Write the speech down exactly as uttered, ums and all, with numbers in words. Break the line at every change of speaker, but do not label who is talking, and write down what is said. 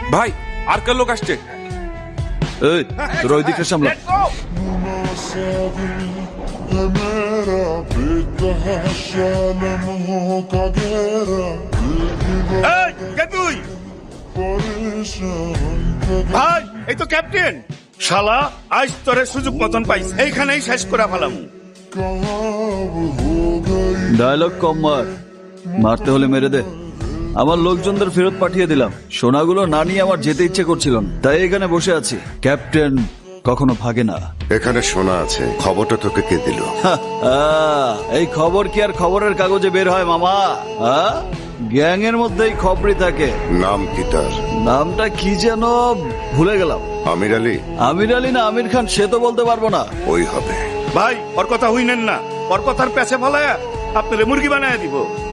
ভাই আর কার লোক আসছে?
এই তোর ওই দিকটা সামলা।
এই, কে তুই? ভাই এই তো ক্যাপ্টেন। শালা আজ তোরে সুযোগ মতন পাইস, এইখানেই শেষ করে ফেলাম।
ডায়লগ কম মার, মারতে হলে মেরে দে। আমার লোকজনদের ফেরত পাঠিয়ে দিলাম। সোনাগুলো না নিয়ে আমার যেতে ইচ্ছে করছিল না, তাই এখানে বসে আছি। ক্যাপ্টেন কখনো ভাগে না।
এখানে শোনা আছে, খবরটা তোকে কে দিল?
আহ, এই খবর কি আর খবরের কাগজে বের হয় মামা? গ্যাং এর মধ্যেই খবরই থাকে।
নাম কি তার?
নামটা কি যেন ভুলে গেলাম।
আমির আলী?
আমির আলী না আমির খান সে তো বলতে পারবো না।
ওই হবে।
ভাই ওর কথা হইনেন না, ওর কথার পেছে ফেলায় আপনারে মুরগি বানায় দিব।